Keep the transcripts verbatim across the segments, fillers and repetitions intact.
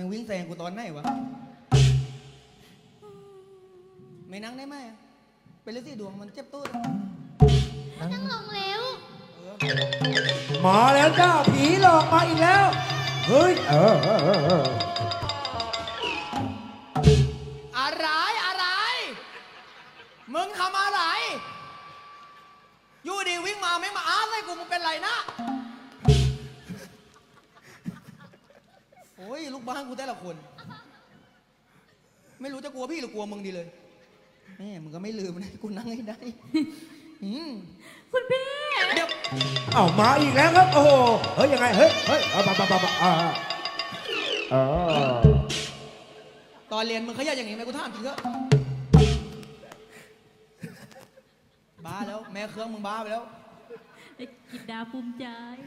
งวิ่งแซงกูตอนไหนวะไม่นั่งได้ไหมเป็นฤทธิ์ดวงมันเจ็บตู้นั่งลงแล้วมาแล้วจ้าผีหลอกมาอีกแล้วเฮ้ยเออเออเออเอออะไรอะไรมึงทำอะไรอยู่ดีวิ่งมาไม่มาอ้าเลยกูมึงเป็นไรนะโอ้ยลูกบ้านกูแต่ละคนไม่รู้จะกลัวพี่หรือกลัวมึงดีเลยแม่มึงก็ไม่ลืมนะกูนั่งให้ได้อืมคุณพี่เดี๋ยวเอ้ามาอีกแล้วครับโอ้โหเฮ้ยยังไงเฮ้ยเฮ้ยเอาปะปะปะปะอ่าอ่าตอนเรียนมึงขยันอย่างนี้ไหมกูถามจริงเถอะบ้าแล้วแม่เครื่องมึงบ้าไปแล้วกินดาภูมิใจ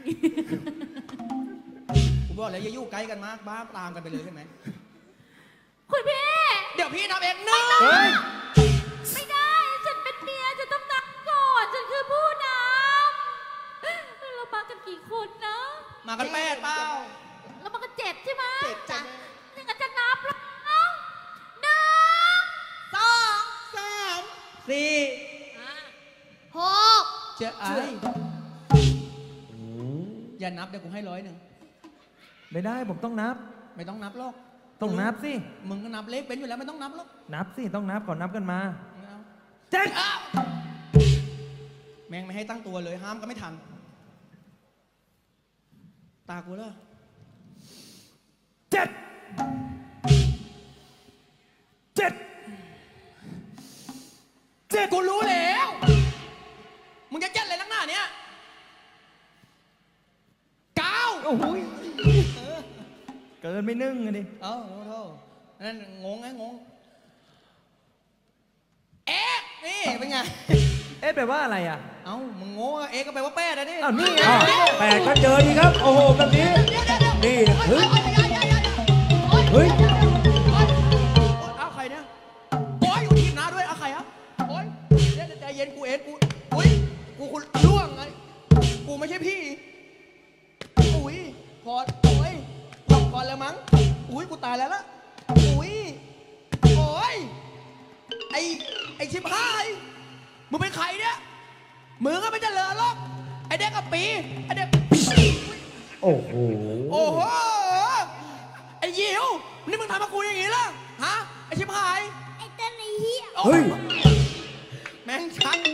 กูบอกแล้วอย่าอยู่ใกล้กันมากบ้าตามกันไปเลยใช่ไหมคุณพี่เดี๋ยวพี่นับเองหนึ่งเฮ้ยไม่ได้ ฉันเป็นเมียฉันต้องนับก่อน ฉันคือผู้นำเรามากันกี่คนนะมากันแปดเปล่าเรามากันเจ็ดใช่ไหมเจ็ดจ้ะนี่ก็จะนับแล้วหนึ่งสองสามสี่หกเจ้าไอ้อย่านับเดี๋ยวกูให้ร้อยหนึ่งไม่ได้ผมต้องนับไม่ต้องนับหรอกต้องนับสิมึงก็นับเลขเป็นอยู่แล้วไม่ต้องนับหรอกนับสิต้องนับก่อนนับกันมาไม่เอาเจ็ดอ้าวแม่งไม่ให้ตั้งตัวเลยห้ามก็ไม่ทัน ตากูเลยเจ็ดเจ็ดเจ็ดกูรู้แล้ว มึงจะเจ็ดอะไรนักหนาเนี่ยเก้าโอ้โหยเกินไม่นึ่งอะดิเอ้าโทษโทษนั่นงงไงงง เอ๊ะนี่เป็นไงเอ๊ะแปลว่าอะไรอ่ะเอ้ามึงโง่อะเอ๊ะก็แปลว่าแป้ดอะดิอ้าวนี่ไงอ้าวแปดก็เจอดีครับโอ้โหแบบนี้นี่เฮ้ยเฮ้ยเอาใครเนี่ยโอ้ยอยู่ทีมน้าด้วยเอาใครอ่ะโอ้ยเดี๋ยวใจเย็นกูเองกูอุ้ยกูคุณล่วงไงกูไม่ใช่พี่อุ้ยพอโอ้ยหลบก่อนแล้วมั้งอุ้ยกูตายแล้วละอุ้ยโอ้ยไอไอชิบหายมึงเป็นใครเนี่ยมึงก็ไม่เจริญหรอกไอเด็กกับปีไอเด็กโอ้โหโอ้โหไอยิวนี่มึงทำกับกูอย่างนี้ล่ะฮะไอชิบหายไอ้เต้นไอ้เหี้ยเฮ้ยแม่งชัก